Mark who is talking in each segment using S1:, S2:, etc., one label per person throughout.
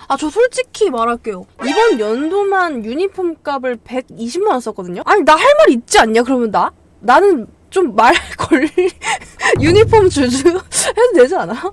S1: 아, 저 솔직히 말할게요. 이번 연도만 유니폼 값을 120만 원 썼거든요? 아니, 나 할 말 있지 않냐, 그러면 나는 좀 말 걸, 유니폼 주주 해도 되지 않아?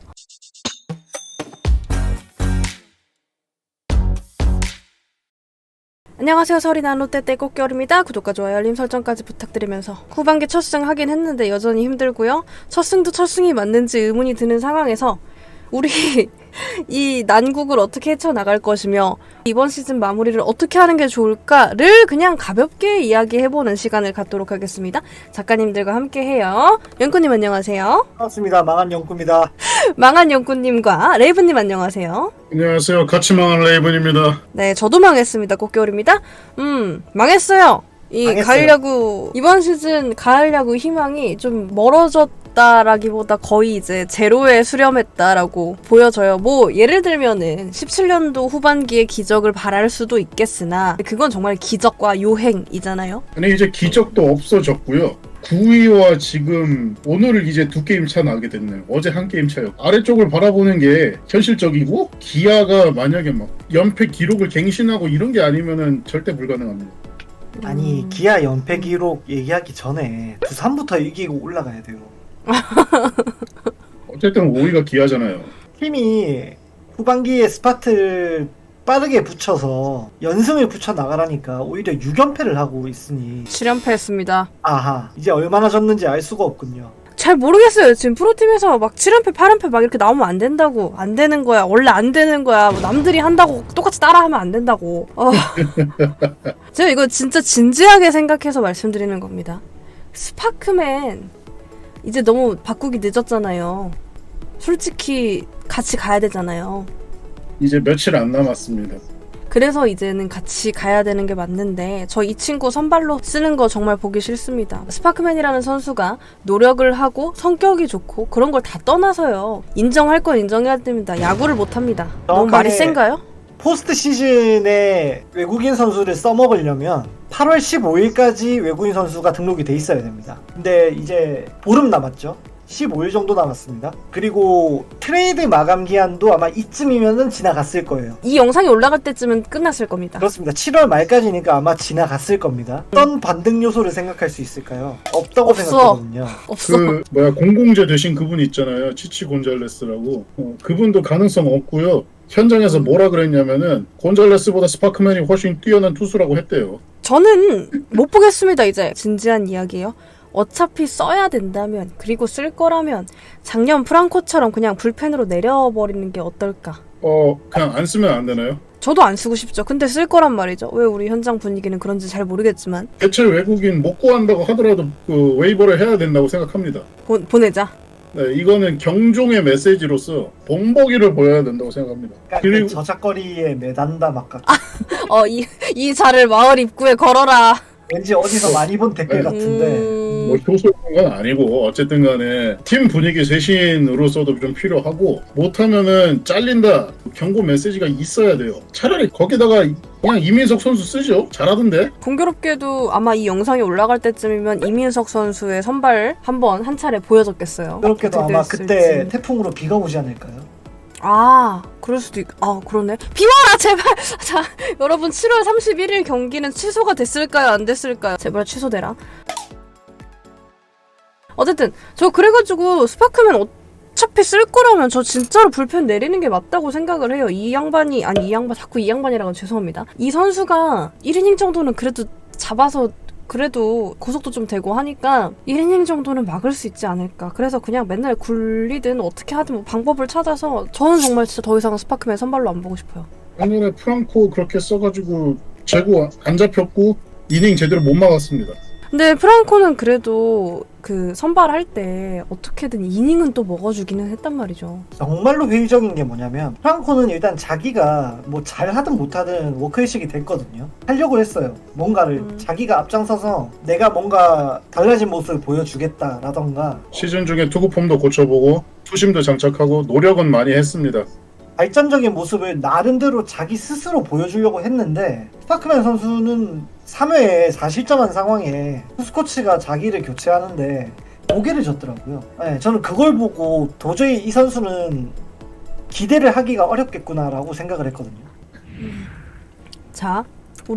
S1: 안녕하세요. 설이난 롯데때 꽃겨울입니다. 구독과 좋아요, 알림 설정까지 부탁드리면서 후반기 첫 승 하긴 했는데 여전히 힘들고요. 첫 승도 첫 승이 맞는지 의문이 드는 상황에서 우리 이 난국을 어떻게 헤쳐나갈 것이며 이번 시즌 마무리를 어떻게 하는 게 좋을까를 그냥 가볍게 이야기해보는 시간을 갖도록 하겠습니다. 작가님들과 함께해요. 연구님 안녕하세요.
S2: 반갑습니다. 망한 연구입니다.
S1: 망한 연구님과 레이븐님 안녕하세요.
S3: 안녕하세요. 같이 망한 레이븐입니다.
S1: 네, 저도 망했습니다. 꽃겨울입니다. 망했어요.
S2: 망했어요.
S1: 가을 야구, 이번 시즌 가을 야구 희망이 좀 멀어졌다라기보다 거의 이제 제로에 수렴했다라고 보여져요. 뭐 예를 들면은 17년도 후반기에 기적을 바랄 수도 있겠으나 그건 정말 기적과 요행이잖아요.
S3: 아니 이제 기적도 없어졌고요. 9위와 지금 오늘 이제 2게임 차 나게 됐네요. 어제 1게임 차요. 아래쪽을 바라보는 게 현실적이고 기아가 만약에 막 연패 기록을 갱신하고 이런 게 아니면은 절대 불가능합니다.
S2: 아니 기아 연패 기록 얘기하기 전에 두산부터 이기고 올라가야 돼요.
S3: 어쨌든 5위가 기아잖아요.
S2: 팀이 후반기에 스파트를 빠르게 붙여서 연승을 붙여 나가라니까 오히려 6연패를 하고 있으니
S1: 7연패했습니다.
S2: 아하 이제 얼마나 졌는지 알 수가 없군요.
S1: 잘 모르겠어요. 지금 프로팀에서 막 7연패, 8연패 막 이렇게 나오면 안 된다고. 안 되는 거야. 원래 안 되는 거야. 뭐 남들이 한다고 똑같이 따라하면 안 된다고. 제가 이거 진짜 진지하게 생각해서 말씀드리는 겁니다. 스파크맨 이제 너무 바꾸기 늦었잖아요. 솔직히 같이 가야 되잖아요.
S3: 이제 며칠 안 남았습니다.
S1: 그래서 이제는 같이 가야 되는 게 맞는데 저 이 친구 선발로 쓰는 거 정말 보기 싫습니다. 스파크맨이라는 선수가 노력을 하고 성격이 좋고 그런 걸 다 떠나서요. 인정할 건 인정해야 됩니다. 야구를 못합니다. 너무 말이 센가요?
S2: 포스트 시즌에 외국인 선수를 써먹으려면 8월 15일까지 외국인 선수가 등록이 돼 있어야 됩니다. 근데 이제 보름 남았죠. 15일 정도 남았습니다. 그리고 트레이드 마감 기한도 아마 이쯤이면은 지나갔을 거예요.
S1: 이 영상이 올라갈 때쯤은 끝났을 겁니다.
S2: 그렇습니다. 7월 말까지니까 아마 지나갔을 겁니다. 어떤 반등 요소를 생각할 수 있을까요? 없다고
S1: 없어.
S2: 생각하거든요.
S1: 없어.
S3: 공공재 되신 그분 있잖아요. 치치 곤잘레스라고. 그분도 가능성 없고요. 현장에서 뭐라 그랬냐면은 곤잘레스보다 스파크맨이 훨씬 뛰어난 투수라고 했대요.
S1: 저는 못 보겠습니다. 이제 진지한 이야기예요. 어차피 써야 된다면 그리고 쓸 거라면 작년 프랑코처럼 그냥 불펜으로 내려버리는 게 어떨까?
S3: 그냥 안 쓰면 안 되나요?
S1: 저도 안 쓰고 싶죠. 근데 쓸 거란 말이죠. 왜 우리 현장 분위기는 그런지 잘 모르겠지만
S3: 대체 외국인 못 구한다고 하더라도 그 웨이버를 해야 된다고 생각합니다.
S1: 보내자.
S3: 네, 이거는 경종의 메시지로서 본보기를 보여야 된다고 생각합니다.
S2: 그러니까
S3: 그리고
S2: 저작거리에 매단다 막각.
S1: 이 자를 마을 입구에 걸어라.
S2: 왠지 어디서 많이 본 댓글 같은데.
S3: 뭐 효소인 건 아니고 어쨌든 간에 팀 분위기 쇄신으로서도 좀 필요하고 못하면은 잘린다 경고 메시지가 있어야 돼요. 차라리 거기다가 그냥 이민석 선수 쓰죠. 잘하던데.
S1: 공교롭게도 아마 이 영상이 올라갈 때쯤이면 이민석 선수의 선발 한 차례 보여줬겠어요.
S2: 그렇게도
S1: 어떻게
S2: 아마
S1: 됐을지.
S2: 그때 태풍으로 비가 오지 않을까요?
S1: 그럴 수도 그러네. 비와라 제발. 자, 여러분 7월 31일 경기는 취소가 됐을까요? 안 됐을까요? 제발 취소되라. 어쨌든 저 그래가지고 스파크맨 어차피 쓸 거라면 저 진짜로 불펜 내리는 게 맞다고 생각을 해요. 자꾸 이 양반이라고 죄송합니다. 이 선수가 1이닝 정도는 그래도 잡아서 그래도 고속도 좀 되고 하니까 1이닝 정도는 막을 수 있지 않을까. 그래서 그냥 맨날 굴리든 어떻게 하든 뭐 방법을 찾아서 저는 정말 진짜 더 이상 스파크맨 선발로 안 보고 싶어요.
S3: 작년에 프랑코 그렇게 써가지고 재고 안 잡혔고 이닝 제대로 못 막았습니다.
S1: 근데 프랑코는 그래도 그 선발할 때 어떻게든 이닝은 또 먹어주기는 했단 말이죠.
S2: 정말로 회의적인 게 뭐냐면 프랑코는 일단 자기가 뭐 잘하든 못하든 워크의식이 됐거든요. 하려고 했어요. 뭔가를 자기가 앞장서서 내가 뭔가 달라진 모습을 보여주겠다라던가
S3: 시즌 중에 투구 폼도 고쳐보고 투심도 장착하고 노력은 많이 했습니다.
S2: 발전적인 모습을 나름대로 자기 스스로 보여주려고 했는데 스파크맨 선수는 3회에 4실점한 상황에 투수코치가 자기를 교체하는데 고개를 졌더라고요. 네, 저는 그걸 보고 도저히 이 선수는 기대를 하기가 어렵겠구나라고 생각을 했거든요.
S1: 자,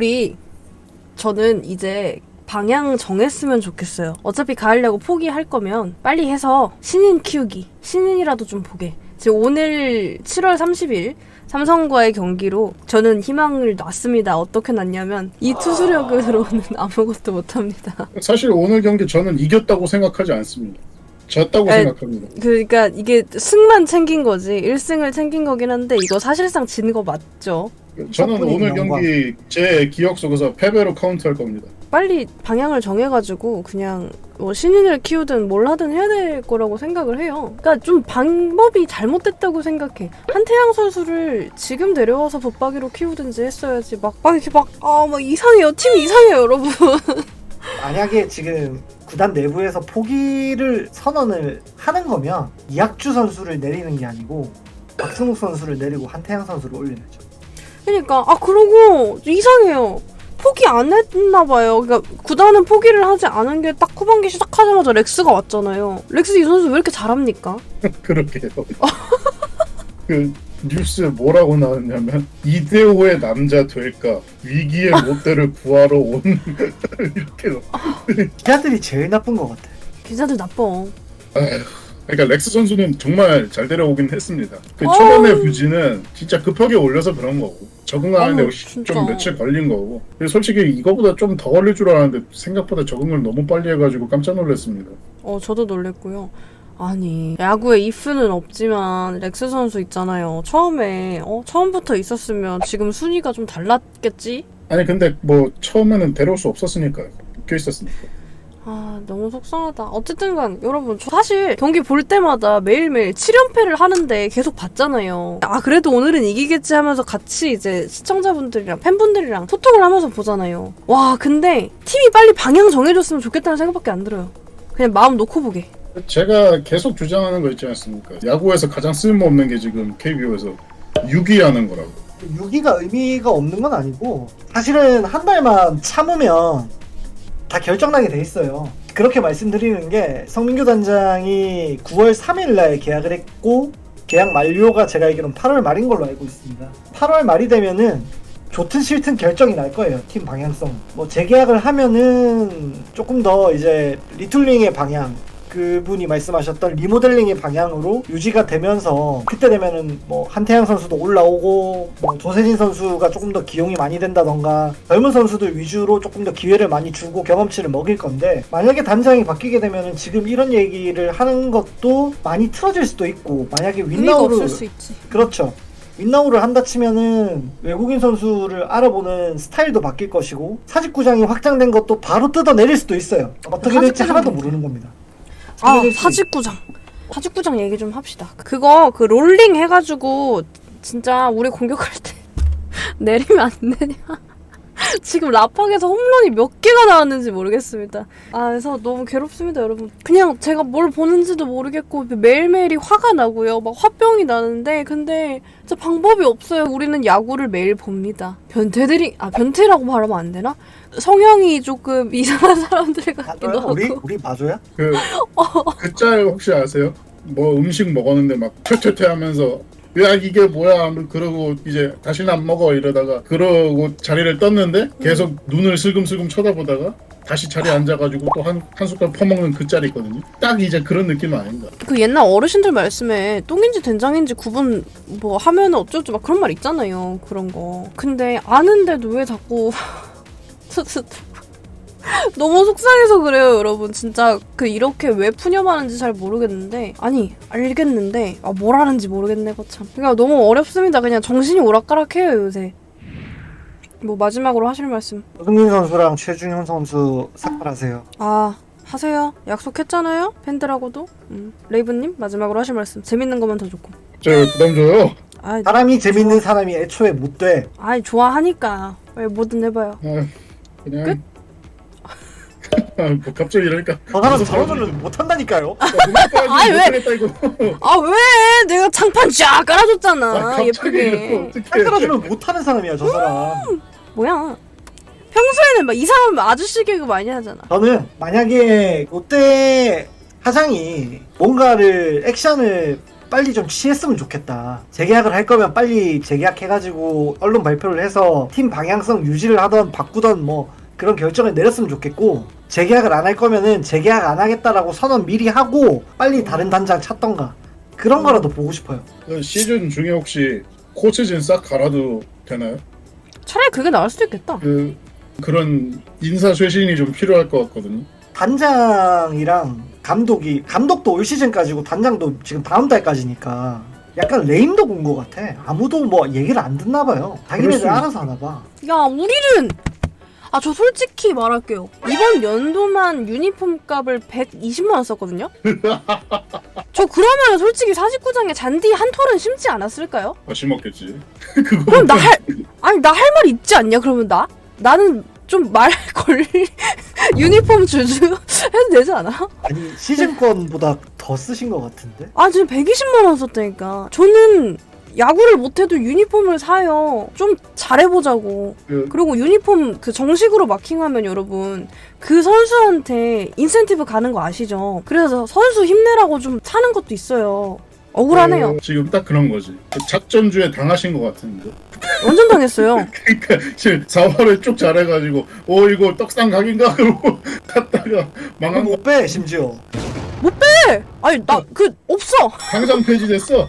S1: 저는 이제 방향 정했으면 좋겠어요. 어차피 가을 야구 포기할 거면 빨리 해서 신인 키우기. 신인이라도 좀 보게. 지금 오늘 7월 30일 삼성과의 경기로 저는 희망을 놨습니다. 어떻게 놨냐면 이 투수력으로는 아무것도 못합니다.
S3: 사실 오늘 경기 저는 이겼다고 생각하지 않습니다. 졌다고
S1: 아니,
S3: 생각합니다.
S1: 그러니까 이게 승만 챙긴 거지 1승을 챙긴 거긴 한데 이거 사실상 진 거 맞죠?
S3: 저는
S2: 덕분에
S3: 오늘
S2: 영광.
S3: 경기 제 기억 속에서 패배로 카운트할 겁니다.
S1: 빨리 방향을 정해가지고 그냥 뭐 신인을 키우든 뭘 하든 해야 될 거라고 생각을 해요. 그러니까 좀 방법이 잘못됐다고 생각해. 한태양 선수를 지금 데려와서 붙박이로 키우든지 했어야지. 막 이렇게 막 이상해요. 팀이 이상해요, 여러분.
S2: 만약에 지금 구단 내부에서 포기를 선언을 하는 거면 이학주 선수를 내리는 게 아니고 박승욱 선수를 내리고 한태양 선수를 올려야죠.
S1: 그러니까 그러고 이상해요. 포기 안 했나 봐요. 그러니까 구단은 포기를 하지 않은 게 딱 후반기 시작하자마자 렉스가 왔잖아요. 렉스 이 선수 왜 이렇게 잘합니까?
S3: 그렇게요. 그 뉴스 뭐라고 나왔냐면 이대호의 남자 될까 위기의 롯데를 구하러 온 이렇게.
S2: 기자들이 제일 나쁜 것 같아.
S1: 기자들 나빠.
S3: 그러니까 렉스 선수는 정말 잘 데려오긴 했습니다. 그 초반의 부진은 진짜 급하게 올려서 그런 거고 적응하는데
S1: 진짜.
S3: 좀 며칠 걸린 거고. 그리고 솔직히 이거보다 좀 더 걸릴 줄 알았는데 생각보다 적응을 너무 빨리 해가지고 깜짝 놀랐습니다.
S1: 저도 놀랬고요. 아니 야구에 if는 없지만 렉스 선수 있잖아요. 처음부터 있었으면 지금 순위가 좀 달랐겠지?
S3: 아니 근데 뭐 처음에는 데려올 수 없었으니까요. 묶여 있었으니까.
S1: 너무 속상하다. 어쨌든 간 여러분 저 사실 경기 볼 때마다 매일매일 7연패를 하는데 계속 봤잖아요. 그래도 오늘은 이기겠지 하면서 같이 이제 시청자분들이랑 팬분들이랑 소통을 하면서 보잖아요. 와 근데 팀이 빨리 방향 정해줬으면 좋겠다는 생각밖에 안 들어요. 그냥 마음 놓고 보게.
S3: 제가 계속 주장하는 거 있지 않습니까? 야구에서 가장 쓸모없는 게 지금 KBO에서 유기하는 거라고.
S2: 6위가 의미가 없는 건 아니고 사실은 한 달만 참으면 다 결정나게 돼 있어요. 그렇게 말씀드리는 게 성민규 단장이 9월 3일 날 계약을 했고 계약 만료가 제가 알기로는 8월 말인 걸로 알고 있습니다. 8월 말이 되면은 좋든 싫든 결정이 날 거예요. 팀 방향성. 뭐 재계약을 하면은 조금 더 이제 리툴링의 방향, 그분이 말씀하셨던 리모델링의 방향으로 유지가 되면서 그때 되면은 뭐 한태양 선수도 올라오고 뭐 조세진 선수가 조금 더 기용이 많이 된다던가 젊은 선수들 위주로 조금 더 기회를 많이 주고 경험치를 먹일 건데 만약에 단장이 바뀌게 되면은 지금 이런 얘기를 하는 것도 많이 틀어질 수도 있고 만약에
S1: 의미가
S2: 윈나우를
S1: 없을 수 있지.
S2: 그렇죠. 윈나우를 한다 치면은 외국인 선수를 알아보는 스타일도 바뀔 것이고 사직구장이 확장된 것도 바로 뜯어내릴 수도 있어요. 어떻게 될지
S1: 사직구장
S2: 하나도 모르는 겁니다.
S1: 사직구장 얘기 좀 합시다. 그거 롤링 해가지고 진짜 우리 공격할 때 내리면 안 되냐? 지금 라팍에서 홈런이 몇 개가 나왔는지 모르겠습니다. 그래서 너무 괴롭습니다, 여러분. 그냥 제가 뭘 보는지도 모르겠고 매일매일이 화가 나고요. 막 화병이 나는데 근데 진짜 방법이 없어요. 우리는 야구를 매일 봅니다. 변태라고 말하면 안 되나? 성향이 조금 이상한 사람들 같기도 하고.
S2: 우리 마조야?
S3: 그 짤 혹시 아세요? 뭐 음식 먹었는데 막 퇴퇴퇴 하면서 야 이게 뭐야 그러고 이제 다시는 안 먹어 이러다가 그러고 자리를 떴는데 계속 눈을 슬금슬금 쳐다보다가 다시 자리에 앉아가지고 또 한 숟갈 퍼먹는 그 짤이 있거든요. 딱 이제 그런 느낌 아닌가.
S1: 그 옛날 어르신들 말씀에 똥인지 된장인지 구분 뭐 하면 어쩌고 막 그런 말 있잖아요. 그런 거. 근데 아는데도 왜 자꾸 너무 속상해서 그래요, 여러분. 진짜 이렇게 왜 푸념하는지 잘 모르겠는데 알겠는데 뭘 하는지 모르겠네, 거참. 그러니까 너무 어렵습니다. 그냥 정신이 오락가락해요, 요새. 뭐 마지막으로 하실 말씀.
S2: 조승민 선수랑 최준현 선수 삭발하세요.
S1: 하세요. 약속했잖아요, 팬들하고도. 레이브님 마지막으로 하실 말씀. 재밌는 것만 더 좋고.
S3: 저 부담 줘요.
S2: 사람이 재밌는 사람이 애초에 못 돼.
S1: 좋아하니까 왜 뭐든 해봐요.
S3: 그냥
S1: 끝?
S3: 뭐 갑자기 이러니까
S2: 저 사람 저러면서 못한다니까요.
S1: 왜? 왜? 내가 장판 쫙 깔아줬잖아.
S3: 갑자기
S1: 예쁘게.
S2: 딱 깔아주면 못하는 사람이야 저 사람.
S1: 뭐야? 평소에는 막 이상한 아저씨 개그 많이 하잖아.
S2: 저는 만약에 롯데 사장이 뭔가를 액션을 빨리 좀 취했으면 좋겠다. 재계약을 할 거면 빨리 재계약해가지고 언론 발표를 해서 팀 방향성 유지를 하던 바꾸던 뭐 그런 결정을 내렸으면 좋겠고, 재계약을 안 할 거면은 재계약 안 하겠다라고 선언 미리 하고 빨리 다른 단장 찾던가 그런 거라도 보고 싶어요.
S3: 그 시즌 중에 혹시 코치진 싹 갈아도 되나요?
S1: 차라리 그게 나을 수도 있겠다.
S3: 그런 인사 쇄신이 좀 필요할 것 같거든요.
S2: 단장이랑 감독도 올 시즌까지고 단장도 지금 다음 달까지니까 약간 레임도 본 것 같아. 아무도 뭐 얘기를 안 듣나 봐요. 자기네들 알아서 하나 봐.
S1: 야, 우리는 저 솔직히 말할게요. 이번 연도만 유니폼 값을 120만 원 썼거든요. 저 그러면 솔직히 49장에 잔디 한 톨은 심지 않았을까요?
S3: 심었겠지.
S1: 그럼 나 할 말 있지 않냐? 그러면 나는 좀 말 걸 유니폼 주주 해도 되지 않아?
S2: 아니 시즌권보다 더 쓰신 것 같은데?
S1: 지금 120만 원 썼다니까. 저는 야구를 못해도 유니폼을 사요. 좀 잘해보자고. 그리고 유니폼 그 정식으로 마킹하면 여러분 그 선수한테 인센티브 가는 거 아시죠? 그래서 선수 힘내라고 좀 사는 것도 있어요. 억울하네요.
S3: 지금 딱 그런 거지. 작전주에 당하신 것 같은데.
S1: 완전 당했어요.
S3: 그러니까 지금 4화를 쭉 잘해가지고 이거 떡상 각인가 그러고 갔다가 망한 거
S2: 못 빼 심지어.
S1: 네! 아니 나 없어.
S3: 항상 폐지됐어.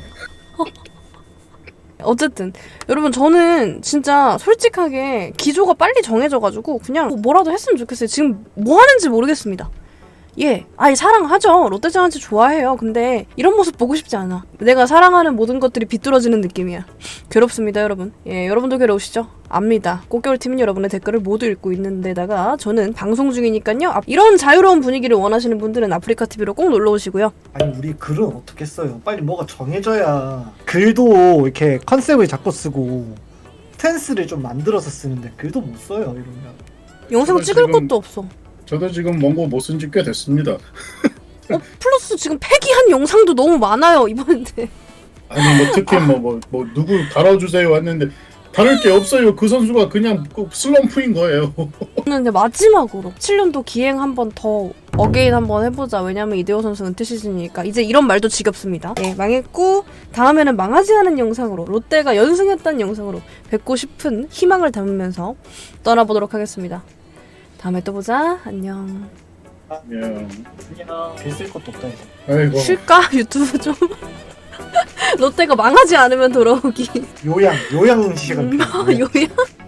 S1: 어쨌든 여러분 저는 진짜 솔직하게 기조가 빨리 정해져가지고 그냥 뭐라도 했으면 좋겠어요. 지금 뭐 하는지 모르겠습니다. 예, 사랑하죠. 롯데자이언츠 좋아해요. 근데 이런 모습 보고 싶지 않아. 내가 사랑하는 모든 것들이 비뚤어지는 느낌이야. 괴롭습니다, 여러분. 예, 여러분도 괴로우시죠? 압니다. 꽃겨울팀은 여러분의 댓글을 모두 읽고 있는데다가 저는 방송 중이니까요. 이런 자유로운 분위기를 원하시는 분들은 아프리카TV로 꼭 놀러오시고요.
S2: 아니 우리 글은 어떻게 써요? 빨리 뭐가 정해져야. 글도 이렇게 컨셉을 잡고 쓰고 스탠스를 좀 만들어서 쓰는데 글도 못 써요 이러면.
S1: 영상
S3: 저는
S1: 찍을
S3: 지금-
S1: 것도 없어.
S3: 저도 지금 원고 못 쓴 지 꽤 됐습니다.
S1: 플러스 지금 폐기한 영상도 너무 많아요, 이번에.
S3: 아니 뭐 특히 뭐 누구 달아주세요 했는데 다를 게 없어요. 그 선수가 그냥 슬럼프인 거예요.
S1: 저는 이제 마지막으로 7년도 기행 한 번 더 어게인 한번 해보자. 왜냐면 이대호 선수 은퇴 시즌이니까 이제 이런 말도 지겹습니다. 네, 망했고 다음에는 망하지 않은 영상으로 롯데가 연승했다는 영상으로 뵙고 싶은 희망을 담으면서 떠나보도록 하겠습니다. 다음에 또 보자. 안녕.
S3: 그냥
S2: 글쓸 것도 없다 이제.
S3: 아이고.
S1: 쉴까? 유튜브 좀. 롯데가 망하지 않으면 돌아오기.
S2: 요양 시간 필요.
S1: 요양?